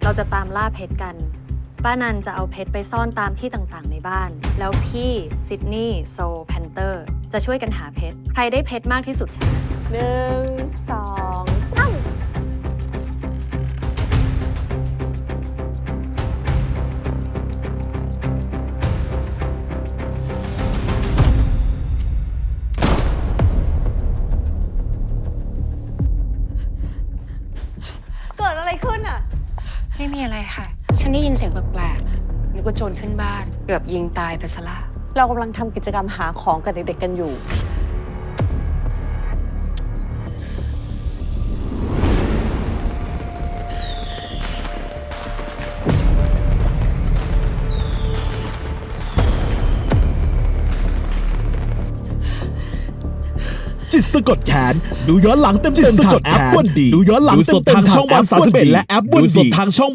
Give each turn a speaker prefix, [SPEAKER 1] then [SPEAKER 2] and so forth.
[SPEAKER 1] เราจะตามล่าเพชรกันป้านันจะเอาเพชรไปซ่อนตามที่ต่างๆในบ้านแล้วพี่ซิดนีย์โซแพนเตอร์จะช่วยกันหาเพชรใครได้เพชรมากที่สุดชนะ
[SPEAKER 2] 1 2 3เกิดอะไรขึ้นอ่ะ
[SPEAKER 3] ไม่มีอะไรค่ะ ฉันได้ยินเสียงแปลกๆนึกว่าโจรขึ้นบ้าน เกือบยิงตายไปซะละ
[SPEAKER 2] เรากำลังทำกิจกรรมหาของกับเด็กๆกันอยู่
[SPEAKER 4] จิตสะกดแขนดูย้อนหลังเต็มๆทางแอปวันดีดูย้อนหลังเต็มๆทางช่องวัน31และแอปวันดีดูสดทางช่อง